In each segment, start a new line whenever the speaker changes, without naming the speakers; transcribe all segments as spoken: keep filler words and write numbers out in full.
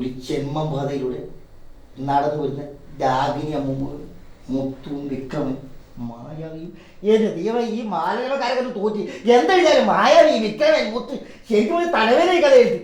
ഒരു ജന്മബാധയിലൂടെ നടന്നു വരുന്ന രാഗിനി അമ്മ മുത്തും വിക്രമൻ മായാവിയും ഏത് ദൈവം ഈ മാലകളുടെ കാര്യത്തിൽ തോറ്റി എന്തായാലും മായാവി വിക്രമൻ മുത്ത് ശരിക്കും ഒരു തലവേദന കഥ എഴുതി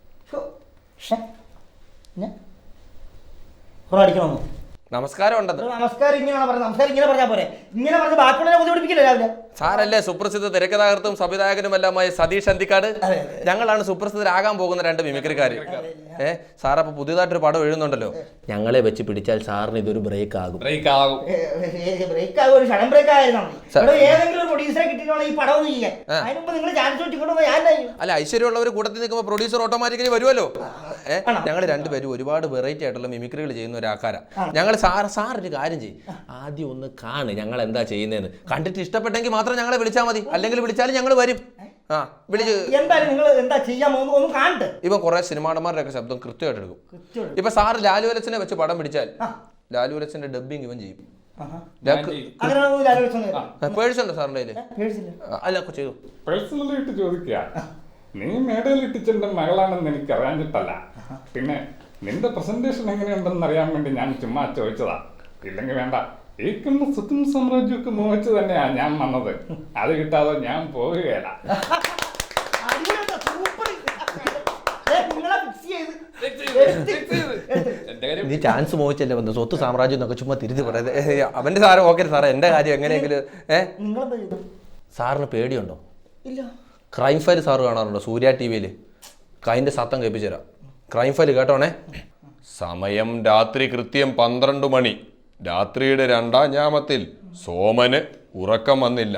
അടിക്കണമെന്നോ
നമസ്കാരം ഉണ്ടത്
നമസ്കാരം ഇങ്ങനെ പറഞ്ഞ നമസ്കാരം ഇങ്ങനെ പറഞ്ഞാൽ പോരെ ഇങ്ങനെ പറഞ്ഞ ബാക്കിയുള്ള ബുദ്ധിമുട്ടിക്കില്ല രാവിലെ
സാറല്ലേ സുപ്രസിദ്ധ തിരക്കഥാകൃത്തും സംവിധായകനുമെല്ലാമായ സതീഷ് അന്തിക്കാട്. ഞങ്ങളാണ് സുപ്രസിദ്ധരാകാൻ പോകുന്ന രണ്ട് മിമിക്രിക്കാർ. ഏഹ് സാറപ്പോൾ പുതിയതായിട്ടൊരു പടം എഴുതുന്നുണ്ടല്ലോ. ഞങ്ങളെ വെച്ച് പിടിച്ചാൽ സാറിന് ഇതൊരു ബ്രേക്ക് ആകും.
ബ്രേക്ക് ആകും ബ്രേക്ക് ആകും ഒരു ഷടം ബ്രേക്ക് ആയിരുന്നു. ഏതെങ്കിലും ഒരു പ്രൊഡ്യൂസറെ കിട്ടിയിട്ടുള്ള ഈ പടം ഒന്ന് ചെയ്യാൻ അതിന് മുമ്പ് നിങ്ങൾ ചാൻസ് വെച്ചിട്ടുണ്ടോ?
അല്ല, ഐശ്വര്യമുള്ളവർ കൂട്ടത്തിൽ നിൽക്കുമ്പോൾ പ്രൊഡ്യൂസർ ഓട്ടോമാറ്റിക്കലി വരുമല്ലോ. ഏഹ് ഞങ്ങൾ രണ്ടുപേരും ഒരുപാട് വെറൈറ്റി ആയിട്ടുള്ള മിമിക്രികൾ ചെയ്യുന്ന ഒരു ആൾക്കാരാണ്. ഞങ്ങൾ സാർ സാർ ഒരു കാര്യം ചെയ്യും, ആദ്യം ഒന്ന് കാണ് ഞങ്ങൾ എന്താ ചെയ്യുന്നതെന്ന്. കണ്ടിട്ട് ഇഷ്ടപ്പെട്ടെങ്കിൽ മാത്രം ഞങ്ങളെ വിളിച്ചാൽ മതി, അല്ലെങ്കിൽ വിളിച്ചാലും ഞങ്ങൾ വരും. ആ വിളിച്ച്
എന്തായാലും നിങ്ങൾ എന്താ ചെയ്യാൻ ഒന്ന് കാണട്ടെ.
ഇപ്പൊ കുറെ സിനിമാടന്മാരുടെ ഒക്കെ ശബ്ദം കൃത്യമായിട്ട് എടുക്കും. ഇപ്പൊ സാറ് ലാലുവലച്ചനെ വെച്ച് പടം പിടിച്ചാൽ ലാലുവലച്ചന്റെ ഡബ്ബിങ് ഇവൻ ചെയ്യും. പേഴ്സുണ്ടോ സാറിന്റെ കയ്യില്? അല്ല ചെയ്തു.
പേഴ്സണലായിട്ട് ചോദിക്കുക, നീ മേടയിൽ ഇട്ടിച്ചെന്റെ മകളാണെന്ന് എനിക്ക് അറിയാഞ്ഞിട്ടല്ല, പിന്നെ നിന്റെ പ്രസന്റേഷൻ എങ്ങനെയുണ്ടെന്ന് അറിയാൻ വേണ്ടി ഞാൻ ചുമ്മാ ചോദിച്ചതാ. ഇല്ലെങ്കിൽ വേണ്ട, ഈ കണ്ണ സ്വത്തും സാമ്രാജ്യമൊക്കെ മോഹിച്ച് തന്നെയാ ഞാൻ വന്നത്. അത് കിട്ടാതെ ഞാൻ പോവുകയല്ല.
നീ ചാൻസ് മോഹിച്ചല്ലേ വന്നു, സ്വത്ത് സാമ്രാജ്യം എന്നൊക്കെ ചുമ്മാ തിരിച്ചു പറയുന്നത്. അവന്റെ സാറ് ഓക്കെ സാറേ, എന്റെ കാര്യം എങ്ങനെയെങ്കിലും. ഏഹ് സാറിന് പേടിയുണ്ടോ?
ഇല്ല.
ക്രൈം ഫയൽ സാറ് കാണാറുണ്ടോ സൂര്യ ടി വിയിൽ? അതിന്റെ സത്തം കേൾപ്പിച്ചു തരാം. ക്രൈം ഫയൽ കേട്ടോണേ. സമയം രാത്രി കൃത്യം പന്ത്രണ്ട് മണി. രാത്രിയുടെ രണ്ടാം ഞാമത്തിൽ സോമന് ഉറക്കം വന്നില്ല.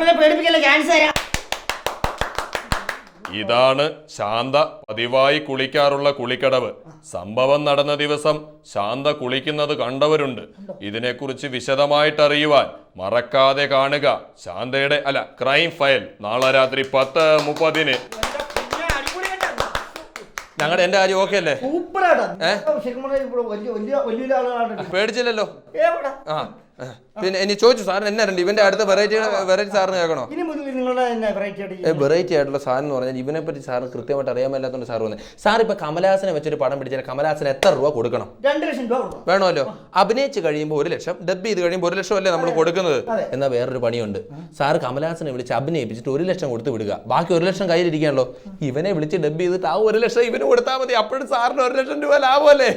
ഇതാണ് ശാന്ത പതിവായി കുളിക്കാറുള്ള കുളിക്കടവ്. സംഭവം നടന്ന ദിവസം ശാന്ത കുളിക്കുന്നത് കണ്ടവരുണ്ട്. ഇതിനെക്കുറിച്ച് വിശദമായിട്ട് അറിയുവാൻ മറക്കാതെ കാണുക ശാന്തയുടെ അല്ല ക്രൈം ഫയൽ നാളെ രാത്രി പത്ത് മുപ്പതിന്. ഞങ്ങളുടെ എന്റെ കാര്യം ഓക്കെ അല്ലേ? പേടിച്ചില്ലല്ലോ. ആ പിന്നെ ഇനി ചോദിച്ചു സാറിന് എന്നാ രണ്ട് ഇവന്റെ അടുത്ത വെറൈറ്റി വെറൈറ്റി സാറിന് കേൾക്കണോ? വെറൈറ്റി ആയിട്ടുള്ള സാധനം എന്ന് പറഞ്ഞാൽ ഇവനെ പറ്റി സാറിന് കൃത്യമായിട്ട് അറിയാൻ മേലാത്തോണ്ട് സാർ വന്നത്. സാർ ഇപ്പൊ കമലഹാസനെ വെച്ചൊരു പടം പിടിച്ചാൽ കമലഹാസന് എത്ര രൂപ കൊടുക്കണം?
രണ്ട് ലക്ഷം രൂപ
വേണമല്ലോ. അഭിനയിച്ച് കഴിയുമ്പോൾ ഒരു ലക്ഷം, ഡബ് ചെയ്ത് കഴിയുമ്പോൾ ഒരു ലക്ഷം അല്ലേ നമ്മൾ കൊടുക്കുന്നത്. എന്നാൽ വേറൊരു പണിയുണ്ട്. സാർ കമലഹാസനെ വിളിച്ച് അഭിനയിപ്പിച്ചിട്ട് ഒരു ലക്ഷം കൊടുത്ത് വിടുക, ബാക്കി ഒരു ലക്ഷം കയ്യിലിരിക്കാണല്ലോ. ഇവനെ വിളിച്ച് ഡബ് ചെയ്തിട്ട് ആ ഒരു ലക്ഷം ഇവന് കൊടുത്താൽ മതി. അപ്പോഴും സാറിന് ഒരു ലക്ഷം രൂപ ലാഭമല്ലേ?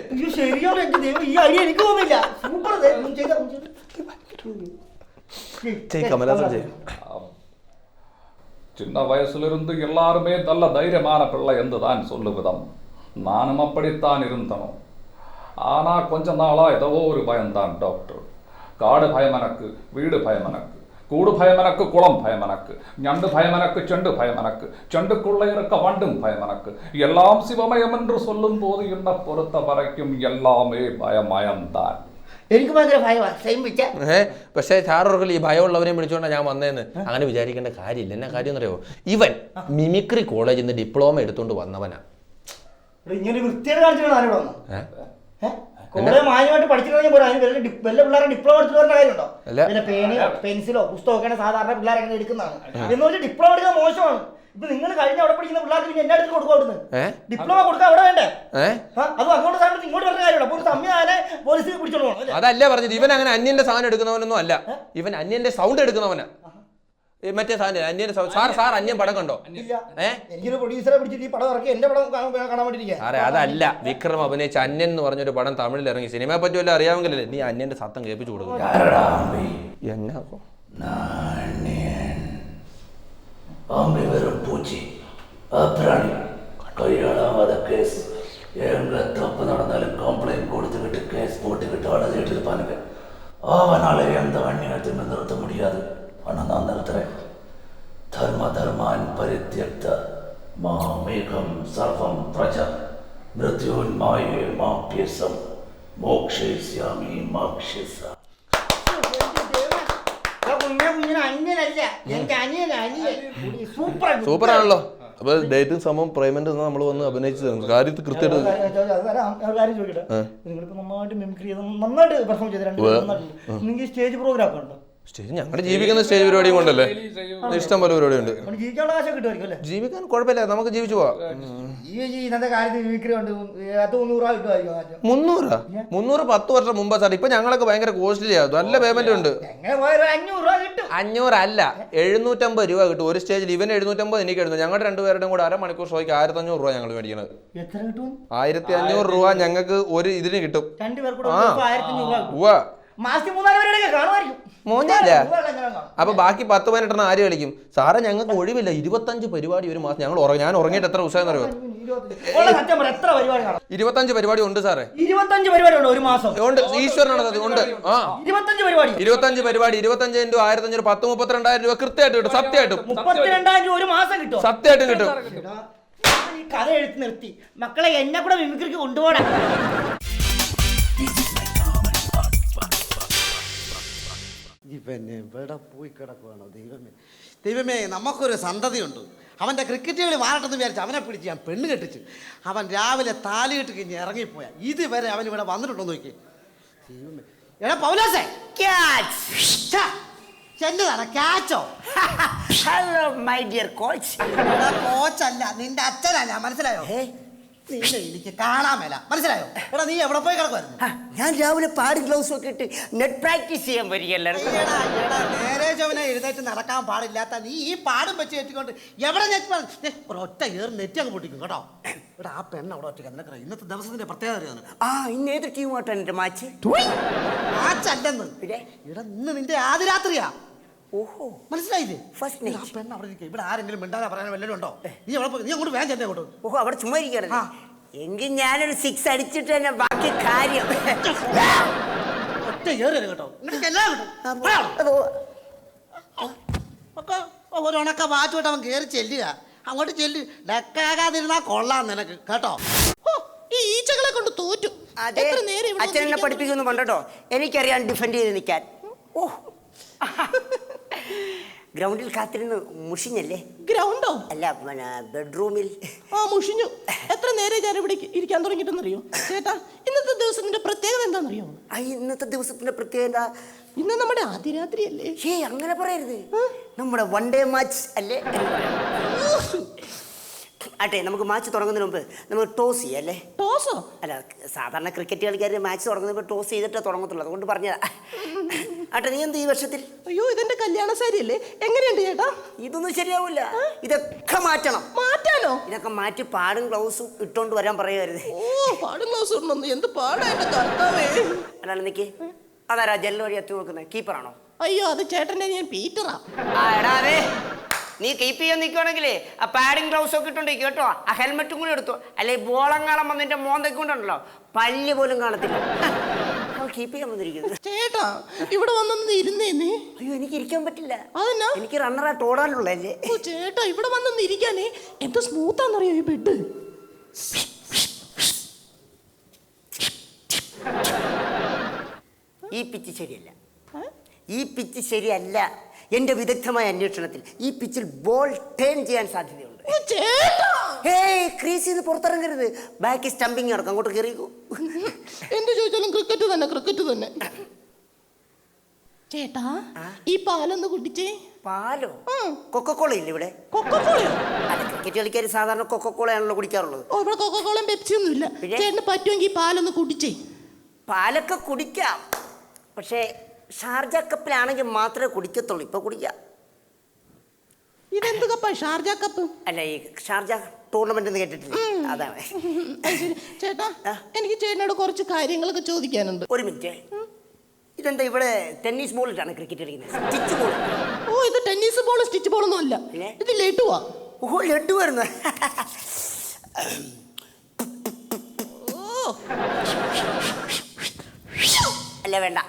சின்ன வயசுல இருந்து எல்லாருமே நல்ல தைரியமான பிள்ளை என்று தான் சொல்லுவிதம். நானும் அப்படித்தான் இருந்தனும். ஆனா கொஞ்ச நாளா ஏதோ ஒரு பயம்தான் டாக்டர். காடு பயம் எனக்கு, வீடு பயம் எனக்கு, கூடு பயம் எனக்கு, குளம் பயம் எனக்கு, ஞண்டு பயம் எனக்கு, செண்டு பயம் எனக்கு, செண்டுக்குள்ள இருக்க வண்டும் பயம் எனக்கு. எல்லாம் சிவமயம் என்று சொல்லும் போது என்ன பொறுத்த வரைக்கும் எல்லாமே ഭയമയംதான்.
എനിക്ക് ഭയങ്കര ഭയമാണ്.
ഏഹ് പക്ഷേ സാറോർക്കൽ ഈ ഭയമുള്ളവരെയും വിളിച്ചുകൊണ്ടാണ് ഞാൻ വന്നതെന്ന് അങ്ങനെ വിചാരിക്കേണ്ട കാര്യമില്ല. എന്നാ കാര്യം എന്നറിയോ, ഇവൻ മിമിക്രി കോളേജിൽ നിന്ന് ഡിപ്ലോമ എടുത്തോണ്ട് വന്നവനാ.
ഇങ്ങനെ വൃത്തിയുടെ കാണിച്ചാണ് ആരോട് വന്നത്? മാന്യമായിട്ട് പഠിച്ചിട്ടുണ്ടെങ്കിൽ പോരാ, അതിന് വല്ല പിള്ളേരെ ഡിപ്ലോമ എടുത്തിട്ട് വരേണ്ട കാര്യമുണ്ടോ? പിന്നെ പേനയോ പെൻസിലോ പുസ്തകമൊക്കെയാണ് സാധാരണ പിള്ളേരെ അങ്ങനെ എടുക്കുന്നതാണ്. എന്ന് വെച്ചാൽ ഡിപ്ലോമ എടുക്കാൻ മോശമാണ്. ഇപ്പൊ നിങ്ങൾ കഴിഞ്ഞ അവിടെ പഠിക്കുന്ന പിള്ളേർക്ക് പിന്നെ എന്റെ അടുത്ത് കൊടുക്കും. അവിടുന്ന് ഡിപ്ലോമ കൊടുക്കാൻ അവിടെ വേണ്ടേ? അത് അങ്ങോട്ട് സാധനം ഇങ്ങോട്ട് പറഞ്ഞ കാര്യമുള്ളൂ. അപ്പോൾ ഒരു സംവിധാനെ പോലീസിൽ പിടിച്ചോളൂ.
അതല്ല പറഞ്ഞത്, ഇവൻ അങ്ങനെ അന്യന്റെ സാധനം എടുക്കുന്നവനൊന്നും അല്ല. ഇവൻ അന്യന്റെ സൗണ്ട് എടുക്കുന്നവനാ. മറ്റേ സാധനം അന്യന്റെ സാർ സാർ അന്യൻ പടം കണ്ടോ?
എനിക്കൊരു പ്രൊഡ്യൂസറെ പിടിച്ചിട്ട് ഈ പടം ഇറക്കി എന്റെ പടം കാണാൻ വേണ്ടിയിരിക്കുക.
സാറേ അതല്ല, വിക്രം അഭിനയിച്ച അന്യൻ എന്ന് പറഞ്ഞൊരു പടം തമിഴിൽ ഇറങ്ങി. സിനിമയെ പറ്റി വല്ല അറിയാമെങ്കിലല്ലേ നീ അന്യന്റെ സത്തം കേൾപ്പിച്ചു കൊടുക്കും. എന്നാ
அம்பி வெறும் பூச்சி அப்ராணி கையாளாத கேஸ். எங்க தப்பு நடந்தாலும் கம்ப்ளைண்ட் கொடுத்துக்கிட்டு கேஸ் போட்டுக்கிட்டு அழுதுகிட்டு இருப்பானுங்க. அவனால எந்த அந்நியத்தையும் நிறுத்த முடியாது. ஆனால் நான் நிறுத்துறேன். தர்ம தர்மான் பரித்யக்த மாமேகம் சர்வம் பிரஜா மிருத்யோன்மாயே மாப்யசம் மோக்ஷயிஷ்யாமி மாக்ஷிசா.
സൂപ്പർ ആണല്ലോ. അപ്പൊ ഡേറ്റും സമയം പേയ്മെന്റ് നമ്മൾ വന്ന് അഭിനയിച്ചു തരും. കാര്യത്തിൽ കൃത്യമായിട്ട്
നിങ്ങളിപ്പോ നന്നായിട്ട് മിമിക്രി ചെയ്ത് നന്നായിട്ട് പെർഫോം ചെയ്ത് സ്റ്റേജ് പ്രോഗ്രാം ഒക്കെ ഉണ്ടോ?
സ്റ്റേജ് ഞങ്ങളുടെ ജീവിക്കുന്ന സ്റ്റേജ് പരിപാടിയും കൊണ്ടല്ലേ ഇഷ്ടം പോലെ പരിപാടി ഉണ്ട്.
ജീവിക്കാനുള്ള കാശൊക്കെ കിട്ടുമായിരിക്കും അല്ലേ?
ജീവിക്കാൻ കുഴപ്പമില്ല, നമുക്ക് ജീവിച്ചു പോവാം.
ഈ ഇന്നത്തെ കാലത്ത് മിമിക്രി ഉണ്ട്, അത് മുന്നൂറ് രൂപ കിട്ടുമായിരിക്കും.
മുന്നൂറാ? മുന്നൂറ് പത്ത് വർഷം മുമ്പ് സാർ. ഇപ്പൊ ഞങ്ങളൊക്കെ ഭയങ്കര കോസ്റ്റ്ലി ആകും, നല്ല പേയ്മെന്റ് ഉണ്ട്.
എങ്ങനെ പോയാലും അഞ്ഞൂറ് രൂപ കിട്ടും.
അഞ്ഞൂറല്ല, എഴുന്നൂറ്റമ്പത് രൂപ കിട്ടും ഒരു സ്റ്റേജിൽ. ഇവന് എഴുന്നൂറ്റമ്പത്, എനിക്ക് എഴുതുന്നു. ഞങ്ങളുടെ രണ്ടുപേരുടെയും കൂടെ അരമണിക്കൂർ ഷോയ്ക്ക് ആയിരത്തി അഞ്ഞൂറ് രൂപ ഞങ്ങൾ മേടിക്കുന്നത്.
എത്ര കിട്ടും?
ആയിരത്തി അഞ്ഞൂറ് രൂപ ഞങ്ങൾക്ക് ഒരു ഇതിന് കിട്ടും.
രണ്ടുപേർക്കൂടെ ആയിരത്തി അഞ്ഞൂറ് രൂപ.
ഉവ്വ.
മാസത്തിൽ മൂന്നാല് പേരുടെ കാണുമായിരിക്കും.
മോനില്ല. അപ്പൊ ബാക്കി പത്ത് പതിനെട്ടെണ്ണം ആര് കളിക്കും സാറേ? ഞങ്ങൾക്ക് ഒഴിവില്ല. ഇരുപത്തഞ്ച് പരിപാടി ഒരു മാസം. ഞങ്ങൾ ഞാൻ ഉറങ്ങിയിട്ട് എത്ര ദിവസം അറിയോ? ഇരുപത്തഞ്ച് പരിപാടി ഉണ്ട് സാറേ.
ഇരുപത്തഞ്ച് പരിപാടി ഉണ്ട് ഒരു മാസം?
ഉണ്ട്, ഈശ്വരനാണ് അത്. ഉണ്ട്. ആ
ഇരുപത്തഞ്ച് പരിപാടി
ഇരുപത്തഞ്ച് പരിപാടി ഇരുപത്തഞ്ച് ഇൻറ്റു ആയിരത്തി അഞ്ഞൂറ് പത്ത് മുപ്പത്തിരണ്ടായിരം രൂപ കൃത്യമായിട്ട് കിട്ടും. സത്യമായിട്ടും
മുപ്പത്തിരണ്ടായിരം രൂപ ഒരു മാസം കിട്ടും.
സത്യമായിട്ടും കിട്ടും.
ഈ കഥ എഴുത്ത് നിർത്തി മക്കളെ, എന്നെ കൂടെ മിമിക്രിക്ക് കൊണ്ടുപോകണം.
പിന്നെ ഇവിടെ പോയി കിടക്കുവാണോ ദൈവമേ? ദൈവമേ, നമുക്കൊരു സന്തതിയുണ്ട്. അവൻ്റെ ക്രിക്കറ്റ് കളി മാറട്ടെന്ന് വിചാരിച്ചു അവനെ പിടിച്ച് ഞാൻ പെണ്ണ് കെട്ടിച്ച്. അവൻ രാവിലെ താലി കെട്ടി കഴിഞ്ഞ് ഇറങ്ങിപ്പോയാൽ ഇതുവരെ അവൻ ഇവിടെ വന്നിട്ടുണ്ടോ നോക്കി. ദൈവമേ, എടാ പൗലോസേ, എന്നതാണ് ക്യാച്ചോ?
Hello my dear coach.
കോച്ചല്ല, നിന്റെ അച്ഛനല്ല, മനസ്സിലായോ? നിന്നെ എനിക്ക് കാണാൻ മേല, മനസ്സിലായോ? എടാ നീ എവിടെ പോയി കിടക്കുമായിരുന്നു?
ഞാൻ രാവിലെ പാടി ഗ്ലൗസ് ഒക്കെ ഇട്ട് നെറ്റ് പ്രാക്ടീസ് ചെയ്യാൻ വരികയല്ലേ.
നേരെ ചവനെ എഴുന്നേറ്റ് നടക്കാൻ പാടില്ലാത്ത നീ ഈ പാടും വെച്ച് കെട്ടിക്കൊണ്ട് എവിടെ നെറ്റ് ഒരൊറ്റ ഏറ് നെറ്റ് അങ്ങ് പൊട്ടിക്കും കേട്ടോ. ഇവിടെ ആ പെണ്ണ് അവിടെ ഒറ്റ നിനക്ക് ഇന്നത്തെ ദിവസത്തിന്റെ പ്രത്യേകത അറിയാം.
ആ ഇന്ന് ഏത് ടീമായിട്ടാണ് എന്റെ മാച്ച്?
മാച്ചല്ലെന്ന്. ഇവിടെ ഇന്ന് നിന്റെ ആദ്യ രാത്രിയാ.
ഓഹോ,
മനസ്സിലായില്ലേ?
ഫസ്റ്റ്
ആ പെണ്ണ് അവിടെ ഇരിക്കും. ഇവിടെ ആരെങ്കിലും മിണ്ടാതെ പറയാൻ വല്ലതും ഉണ്ടോ? നീ അവിടെ പോയി, നീ അങ്ങോട്ട് വേഗം ചെന്നേ അങ്ങോട്ട്.
ഓഹോ, അവിടെ ചുമ്മാ ഇരിക്കണല്ലേ. എങ്കിൽ ഞാനൊരു സിക്സ് അടിച്ചിട്ട് തന്നെ ബാക്കി കാര്യം.
ഒറ്റ ഏറ് കേട്ടോ. ഒരു ഉണക്ക വാച്ചുമായിട്ട് അവൻ കയറി ചെല്ലുക. അങ്ങോട്ട് ചെല്ലു. ഡക്കാകാതിരുന്നാ കൊള്ളാം നിനക്ക് കേട്ടോ.
ഈ ഈച്ചകളെ കൊണ്ട് തോറ്റു.
അതെ, അച്ഛനെന്നെ പഠിപ്പിക്കുന്നു പണ്ടോ. എനിക്കറിയാൻ ഡിഫെൻഡ് ചെയ്ത് നിൽക്കാൻ. ഓ, ഗ്രൗണ്ടിൽ കാത്തിരുന്ന് മുഷിഞ്ഞല്ലേ?
ഗ്രൗണ്ടോ?
അല്ല, പിന്നെ ബെഡ്റൂമിൽ.
ആ മുഷിഞ്ഞു. എത്ര നേരം ഞാൻ ഇവിടെ ഇരിക്കാൻ തുടങ്ങിയിട്ടെന്നറിയോ ചേട്ടാ? ഇന്നത്തെ ദിവസത്തിന്റെ പ്രത്യേകത എന്താണെന്നറിയോ?
ആ ഇന്നത്തെ ദിവസത്തിന്റെ പ്രത്യേകത
ഇന്ന് നമ്മുടെ ആദ്യ രാത്രി അല്ലേ?
ഏ അങ്ങനെ പറയരുത്, നമ്മുടെ വൺ ഡേ മാച്ച് അല്ലേ? ആട്ടെ, നമുക്ക് മാച്ച് തുടങ്ങുന്നതിന് മുമ്പ് നമുക്ക് ടോസ് ചെയ്യാം അല്ലേ?
ടോസോ?
അല്ല, സാധാരണ ക്രിക്കറ്റ് കളിക്കാർ മാച്ച് തുടങ്ങുന്നപ്പോൾ ടോസ് ചെയ്തിട്ടേ തുടങ്ങത്തുള്ളൂ, അതുകൊണ്ട് പറഞ്ഞതാ. ആട്ടെ, നീ എന്ത് ഈ വർഷത്തിൽ?
അയ്യോ, ഇതെന്റെ കല്യാണ സാരി അല്ലേ? എങ്ങനെയുണ്ട് ചേട്ടാ?
ഇതൊന്നും ശരിയാവില്ല, ഇതൊക്കെ മാറ്റണം.
മാറ്റാനോ?
ഇതൊക്കെ മാറ്റി പാടും ഗ്ലൗസും ഇട്ടോണ്ട് വരാൻ പറയരുത്.
ഓ, പാടും ഗ്ലൗസ് ഉണ്ടെന്ന് എന്ത് പാടായിട്ട് കർത്താവേ.
അല്ലാണ്ട് നിക്ക്, അതാരാ ജനൽ വഴി എത്തി നോക്കുന്നത്? കീപ്പറാണോ?
അയ്യോ, അത് ചേട്ടൻ്റെ ഞാൻ പീറ്ററാ.
ആ എടാ, അതെ, നീ കീപ്പ് ചെയ്യാൻ നിൽക്കുവാണെങ്കിലേ ആ പാഡിങ് ഗ്ലൗസ് ഒക്കെ ഇട്ടുണ്ടോ കേട്ടോ. ആ ഹെൽമെറ്റും കൂടി എടുത്തു, അല്ലെ ബോളങ്ങാളം വന്നിന്റെ മോന്തൊക്കെ കൊണ്ടുണ്ടല്ലോ പല്ല് പോലും കാണത്തില്ല. കീപ്പ് ചെയ്യാൻ വന്നിരിക്കുന്നത്.
ചേട്ടാ, ഇവിടെ വന്നൊന്ന് ഇരുന്നേന്നേ.
അയ്യോ, എനിക്ക് ഇരിക്കാൻ പറ്റില്ല.
അതെന്നാ?
എനിക്ക് റണ്ണറായിട്ട് ഓടാനുള്ളല്ലേ.
ഓ ചേട്ടാ, ഇവിടെ വന്നൊന്ന് ഇരിക്കാനേ എന്ത് സ്മൂത്താന്നറിയോ ഈ ബെഡ്.
ഈ പിച്ച് ശരിയല്ല, ഈ പിച്ച് ശരിയല്ല. എന്റെ വിദഗ്ധമായ അന്വേഷണത്തിൽ ഈ പിച്ചിൽ ബോൾ ടേൺ ചെയ്യാൻ സാധ്യതയുണ്ട്. ഏയ്, ക്രീസിൽ നിന്ന് പുറത്തിറങ്ങരുത്, ബാക്കി സ്റ്റംപിങ് നടക്കും, അങ്ങോട്ട് കയറിക്കൂ.
എന്ത് ചോദിച്ചാലും ക്രിക്കറ്റ് തന്നെ, ക്രിക്കറ്റ് തന്നെ. ചേട്ടാ, ഈ പാലൊന്ന് കുടിച്ചേ.
പാലോ? കൊക്കക്കോള ഇല്ല ഇവിടെ?
കൊക്കക്കോളയോ?
അല്ല, ക്രിക്കറ്റ് കളിക്കാർ സാധാരണ കൊക്കക്കോളയാണല്ലോ കുടിക്കാറുള്ളത്.
ഓ, ഇവിടെ കൊക്കക്കോളയും പെപ്സിയും ഒന്നും ഇല്ല. ചേട്ടന് പറ്റുമെങ്കിൽ പാലൊന്ന് കുടിച്ചേ.
പാലൊക്കെ കുടിക്കാം, പക്ഷേ ഷാർജ കപ്പിലാണെങ്കിൽ മാത്രമേ കുടിക്കത്തുള്ളൂ. ഇപ്പൊ കുടിക്കാം.
ഇതെന്ത് കപ്പാ? Sharjah cup?
അല്ല, ഈ ഷാർജ ടൂർണമെന്റ് എന്ന് കേട്ടിട്ടില്ല, അതാണ്.
ചേട്ടാ, എനിക്ക് ചേട്ടനോട് കുറച്ച് കാര്യങ്ങളൊക്കെ ചോദിക്കാനുണ്ട്.
ഒരു മിനിറ്റ്, ഇതെന്താ ഇവിടെ ടെന്നീസ് ബോളിട്ടാണ് ക്രിക്കറ്റ് കളിക്കുന്നത്? Stitch ball?
ഓ, ഇത് ടെന്നീസ് ബോൾ സ്റ്റിച്ച് ബോളൊന്നും അല്ല, ഇത് ലഡുവാ.
ഓ, ലഡു വരുന്നു. അല്ല, വേണ്ട.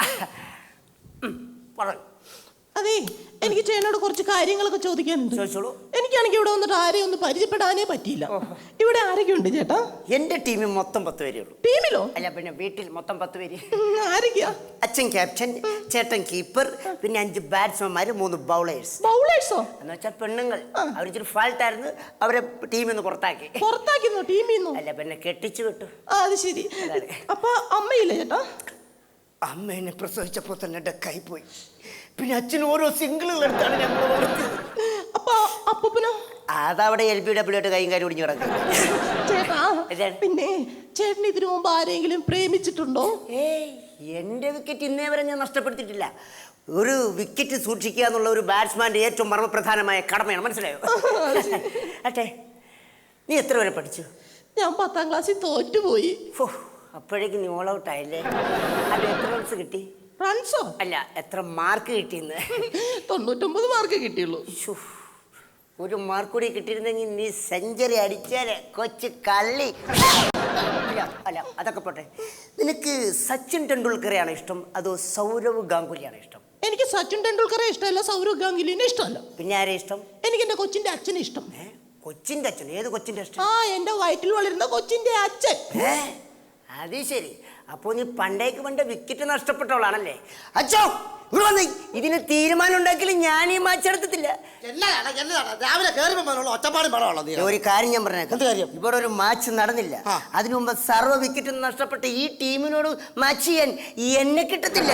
അതെ, എനിക്ക് ചേട്ടനോട് കുറച്ച് കാര്യങ്ങളൊക്കെ ചോദിക്കാനുണ്ട്.
ചോദിച്ചോളൂ.
എനിക്കാണെങ്കിൽ ഇവിടെ വന്നിട്ട് ആരെയും ഒന്ന് പരിചയപ്പെടാനേ പറ്റിയില്ല. ഇവിടെ ആരൊക്കെ ഉണ്ട് ചേട്ടാ?
എന്റെ ടീമിൽ മൊത്തം പത്ത് പേരേ ഉള്ളൂ.
ടീമിലോ?
അല്ല, പിന്നെ വീട്ടിൽ മൊത്തം പത്ത് പേര്.
ആരൊക്കെയാ?
അച്ഛൻ ക്യാപ്റ്റൻ, ചേട്ടൻ കീപ്പർ, പിന്നെ അഞ്ച് ബാറ്റ്സ്മാൻമാര്, മൂന്ന് ബൗളേഴ്സ്.
ബൗളേഴ്സോ?
എന്ന് വെച്ചാൽ പെണ്ണുങ്ങൾ. അവരിച്ചിരി ഫാൾട്ട് ആയിരുന്നു, അവരെ ടീമിൽ നിന്ന് പുറത്താക്കി.
പുറത്താക്കിന്നോ? ടീമിൽ നിന്നോ?
അല്ല, പിന്നെ കെട്ടിച്ചു വിട്ടു.
ആ, അത് ശരി. അപ്പൊ അമ്മയില്ല ചേട്ടാ?
അമ്മ എന്നെ പ്രസവിച്ചപ്പോൾ തന്നെ ഡെക്കായി പോയി. പിന്നെ അച്ഛൻ ഓരോ സിംഗിളുകൾ എടുത്താണ് ഞങ്ങൾ വളർത്തിയത്.
അപ്പൊ അപ്പൂപ്പനോ?
അതവിടെ എൽ പി ഡബ്ല്യു ആയിട്ട് കൈയും കാര്യം ഒടിഞ്ഞു കിടക്കും.
ചേട്ടാ പിന്നെ ചേട്ടൻ ഇതിനു മുമ്പ് ആരെങ്കിലും പ്രേമിച്ചിട്ടുണ്ടോ?
ഏയ്, എൻ്റെ വിക്കറ്റ് ഇന്നേ വരെ ഞാൻ നഷ്ടപ്പെടുത്തിയിട്ടില്ല. ഒരു വിക്കറ്റ് സൂക്ഷിക്കുക എന്നുള്ള ഒരു ബാറ്റ്സ്മാൻ്റെ ഏറ്റവും മർമ്മപ്രധാനമായ കടമയാണ്, മനസ്സിലായോ? അട്ടെ, നീ എത്ര വരെ പഠിച്ചു?
ഞാൻ പത്താം ക്ലാസ്സിൽ തോറ്റുപോയി.
ഫോ, അപ്പോഴേക്കും നീ ഓൾ ഔട്ട് ആയില്ലേ? അത് എത്ര റൺസ് കിട്ടി?
റൺസോ?
അല്ല, എത്ര മാർക്ക് കിട്ടിയെന്ന്.
തൊണ്ണൂറ്റൊമ്പത് മാർക്ക് കിട്ടിയുള്ളൂ.
ശ്ശോ, ഒരു മാർക്ക് കൂടി കിട്ടിയിരുന്നെങ്കിൽ നീ സെഞ്ചുറി അടിച്ചാലേ കൊച്ചു കള്ളി. അല്ല അല്ല അതൊക്കെ പോട്ടെ. നിനക്ക് സച്ചിൻ ടെണ്ടുൽക്കറെയാണോ ഇഷ്ടം അതോ സൗരവ് ഗാംഗുലിയാണോ ഇഷ്ടം?
എനിക്ക് സച്ചിൻ ടെണ്ടുൽക്കറെ ഇഷ്ടമല്ല, സൗരവ് ഗാംഗുലിനെ ഇഷ്ടമല്ല.
പിന്നെ ആരെ ഇഷ്ടം?
എനിക്ക് എന്റെ കൊച്ചിന്റെ അച്ഛനെ ഇഷ്ടം.
കൊച്ചിന്റെ അച്ഛൻ? ഏത് കൊച്ചിന്റെ അച്ഛൻ?
ആ, എന്റെ വയറ്റിൽ വളരുന്ന കൊച്ചിന്റെ അച്ഛൻ.
അത് ശരി. അപ്പോ നീ പണ്ടേക്ക് പണ്ട് വിക്കറ്റ് നഷ്ടപ്പെട്ടവളാണല്ലേ? അച്ഛോ, ഇവിടെ വന്നേ. ഇതിന് തീരുമാനം ഉണ്ടാക്കിയാലും ഞാൻ ഈ മാച്ച് എടുത്തിട്ടില്ല.
രാവിലെ കയറുമ്പോൾ ഒറ്റപ്പാടും പടമുള്ളൂ.
ഒരു കാര്യം ഞാൻ പറഞ്ഞേക്കാം. ഇവിടെ ഒരു മാച്ച് നടന്നില്ല. അതിനു മുമ്പ് സർവ്വ വിക്കറ്റും നഷ്ടപ്പെട്ട ഈ ടീമിനോട് മാച്ച് ചെയ്യാൻ എന്നെ കിട്ടത്തില്ല.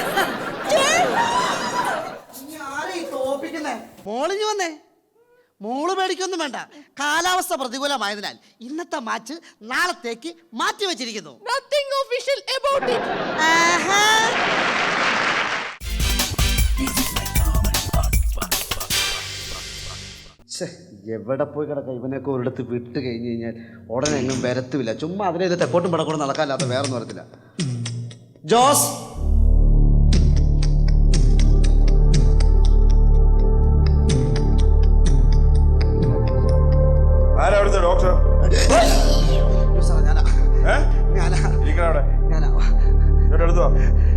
മോളിഞ്ഞു വന്നേ. മോള് പേടിക്കൊന്നും വേണ്ട. കാലാവസ്ഥ പ്രതികൂലമായതിനാൽ ഇന്നത്തെ മാച്ച് നാളത്തേക്ക് മാറ്റി വെച്ചിരിക്കുന്നു.
Nothing official about it.
എവിടെ പോയി കിടക്കാം? ഇവനൊക്കെ ഒരിടത്ത് വിട്ട് കഴിഞ്ഞ് കഴിഞ്ഞാൽ ഉടനെ എങ്ങും വരത്തുമില്ല. ചുമ്മാ അതിനെ ഇത് തെക്കോട്ടും പടക്കൂടെ നടക്കാല്ലാത്ത വേറൊന്നും വരത്തില്ല. ജോസ്,
ആരാ ഡോക്ടർ?
ഞാനാ ഞാനാ ഞാനാ
എടുത്തോ.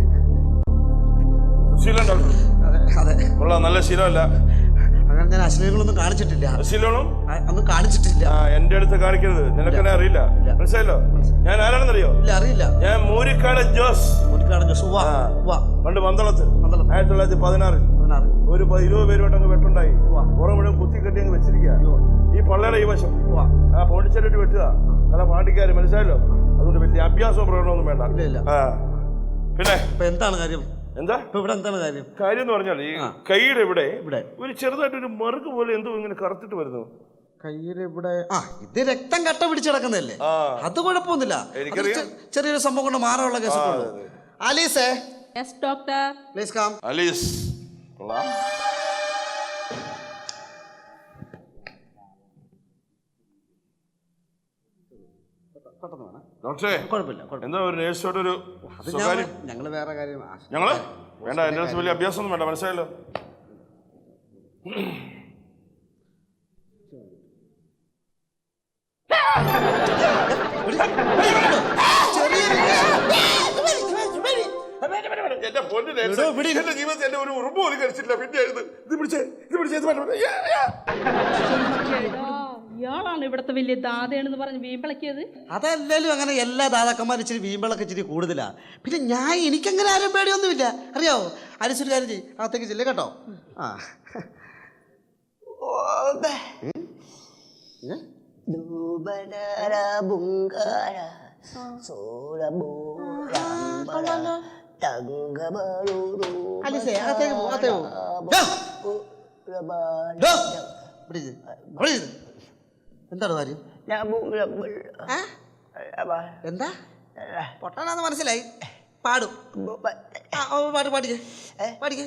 ശീലം ഡോക്ടർ?
അതെ അതെ.
ഉള്ള നല്ല ശീലമല്ല.
അങ്ങനെ ഞാൻ അശ്ലീലങ്ങളൊന്നും കാണിച്ചിട്ടില്ല.
ശീലവും
ഒന്നും കാണിച്ചിട്ടില്ല.
ആ, എന്റെ അടുത്ത് കാണിക്കരുത്. നിനക്കെന്നെ അറിയില്ല, മനസ്സിലായല്ലോ? ഞാൻ ആരാണെന്നറിയോ?
ഇല്ല, അറിയില്ല.
ഞാൻ മൂരിക്കാട് ജോസ്.
മൂരിക്കാട് ജോസ്.
പണ്ട് പന്തളത്ത് ആയിരത്തി തൊള്ളായിരത്തി പതിനാറിൽ ഒരു ഇരുപത് പേരുമായിട്ട് അങ്ങ് വെട്ടുണ്ടായി. പുറം മുഴുവൻ കുത്തി കെട്ടി അങ്ങ് വെച്ചിരിക്കുക. ഈ പള്ളയുടെ ഈ വശം ആ പോണ്ടിച്ചേരിട്ട് വെട്ടുക. കാരണം പാണ്ടിക്കാര്, മനസ്സിലായല്ലോ? അതുകൊണ്ട് വലിയ അഭ്യാസവും പ്രകടനമൊന്നും വേണ്ട. ആ, പിന്നെ
എന്താണ് കാര്യം?
എന്താ
ഇവിടെ എന്താണ് കാര്യം?
കാര്യം എന്ന് പറഞ്ഞാൽ ഈ കൈയുടെ ഇവിടെ ഇവിടെ ഒരു ചെറുതായിട്ടൊരു മറുക് പോലെ എന്തോ ഇങ്ങനെ കറുത്തിട്ട് വരുന്നു.
കയ്യില് ഇവിടെ. ആ, ഇത് രക്തം കട്ട പിടിച്ചിടക്കുന്നതല്ലേ? അത് കുഴപ്പമൊന്നുമില്ല. ചെറിയൊരു സംഭവം കൊണ്ട് മാറാനുള്ള കേസുള്ളൂ. ആലീസേ.
Yes doctor.
Please come.
Alice. കൊള്ളാം. ഡോക്ടറെ, എന്താ ഒരു നേഴ്സോടൊരു
ഞങ്ങള് വേറെ കാര്യം.
ഞങ്ങള് വേണ്ട, എന്റെ അടുത്ത് വലിയ അഭ്യാസമൊന്നും വേണ്ട, മനസ്സിലായല്ലോ? എന്റെ പൊന്നു നേഴ്സ്, എന്റെ ജീവിതത്തിൽ എന്റെ ഒരു ഉറുമ്പ് പോലും കഴിച്ചിട്ടില്ല. പിന്നെ ഇത് പിടിച്ചേ ഇത് പിടിച്ചേ
ഇയാളാണ് ഇവിടത്തെ വലിയ ദാതയാണെന്ന് പറഞ്ഞ് വീമ്പിളക്കിയത്.
അതല്ലല്ലോ, അങ്ങനെ എല്ലാ ദാതാക്കന്മാരും ഇച്ചിരി വീമ്പിളൊക്കെ ഇച്ചിരി കൂടുതലാ. പിന്നെ ഞാൻ എനിക്കങ്ങനെ ആരും പേടിയൊന്നുമില്ല, അറിയാവോ? അനുസരിച്ച് കാര്യം ചെയ്യും, അകത്തേക്ക് ചെല്ലേ കേട്ടോ. ആ, അലിസേ, അകത്തേക്ക് പോ, അകത്തേക്ക് പോ. എന്താണ് കാര്യം? എന്താ പൊട്ടാണെന്ന് മനസ്സിലായി. പാടും. പാട്ട് പാടിക്കേ പാടിക്കേ.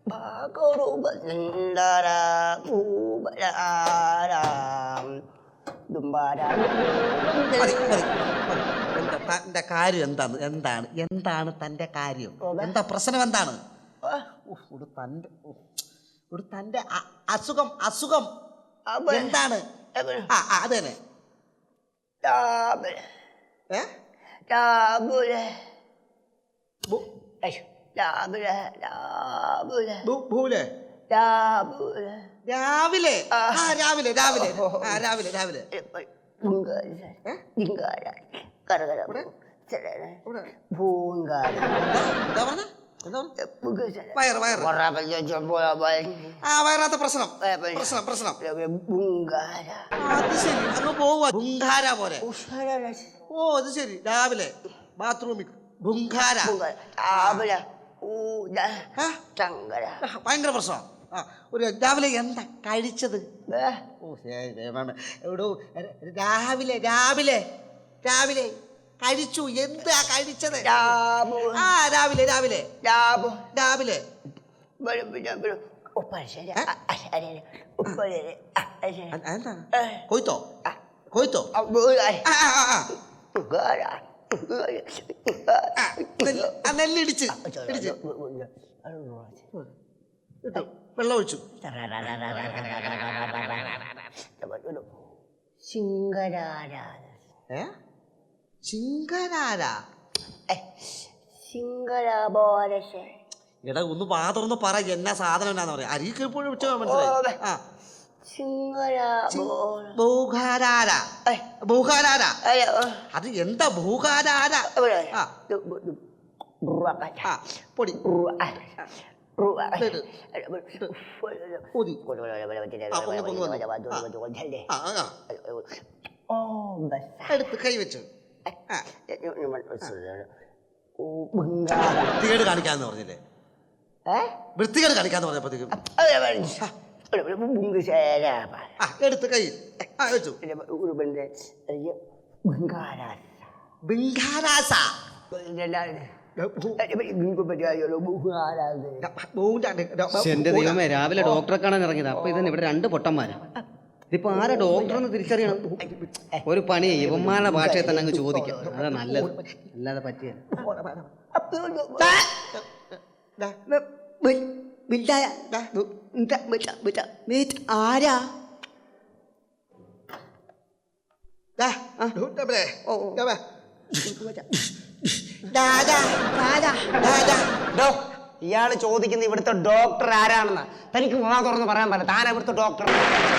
തന്റെ കാര്യം എന്താണ്? എന്താണ് എന്താണ് തന്റെ കാര്യം? എന്താ പ്രശ്നം? എന്താണ് ഒരു തന്റെ ഒരു തന്റെ അസുഖം? അസുഖം എന്താണ്? ആ, അത് തന്നെ. രാവിലെ രാവിലെ രാവിലെ രാവിലെ രാവിലെ വയറാത്ത പ്രശ്നം പ്രശ്നം പ്രശ്നം. അത് ശരി, അങ്ങ് പോവാ പോലെ. ഓ, അത് ശരി. രാവിലെ ബാത്റൂമിൽ ബുങ്കാര
രാവിലെ ഊത
ആ?
ചങ്കര
ഭയങ്കര പ്രശ്നമാണ്. ആ ഒരു രാവിലെ എന്താ കഴിച്ചത്? ഓ ശരി, ദൈവമേ. എവിടോ രാവിലെ രാവിലെ രാവിലെ കഴിച്ചു. എന്താ കഴിച്ചത്?
രാമു
ആ രാവിലെ രാവിലെ
രാമു
രാവിലെ എന്താ കൊയ്ത്തോ കൊയ്ത്തോ ആ, ആ, ആ, ആ. ആ, നെല്ല് ആ, നെല്ലിടിച്ച് ഇടിച്ച് ഇട്ടു. വെള്ളം ഒഴിച്ചു.
സിംഗരാരാധ
ഏ ചിങ്കരാര
സിംഗരാബോരശ
എടാ ഒന്ന് പാ തുറന്ന് പറ എന്നാ സാധനം എന്നാന്ന് പറയാ. അരിക്ക് എപ്പോഴും വെച്ചാൽ മനസ്സിലായി. ആ ഭൂഖാരാര ഭൂഖാരാര അത് എന്താ ഭൂഖാരാര? ആ ആ പൊടി ഊതി. ആ, പൊങ്ങി പൊങ്ങി വന്നു. ആ, ആ, ആ. എടുത്ത് കൈ വെച്ചു. ആ. വൃത്തികേട് കാണിക്കാന്ന് പറഞ്ഞില്ലേ? വൃത്തികേട് കാണിക്കാന്ന് പറഞ്ഞപ്പോഴത്തേക്കും ആ എടുത്ത് കൈ ആ വെച്ചു. ബിങ്കാരാസ
എന്റെ ദൈവമേ, രാവിലെ ഡോക്ടറെ കാണാൻ ഇറങ്ങിയത്. അപ്പൊ ഇതിന് ഇവിടെ രണ്ട് പൊട്ടന്മാരാ. ഇതിപ്പോ ആരാ ഡോക്ടർ എന്ന് തിരിച്ചറിയണം. ഒരു പണി ഇവന്മാരുടെ ഭാഷയെ തന്നെ അങ്ങ് ചോദിക്കാം. അതാ നല്ലത്, അല്ലാതെ പറ്റിയ
ആരാ ഇയാള് ചോദിക്കുന്ന ഇവിടുത്തെ ഡോക്ടർ ആരാണെന്ന്. തനിക്ക് വാ തുറന്ന് പറയാൻ പറ്റില്ല. താനാ ഇവിടുത്തെ ഡോക്ടർ?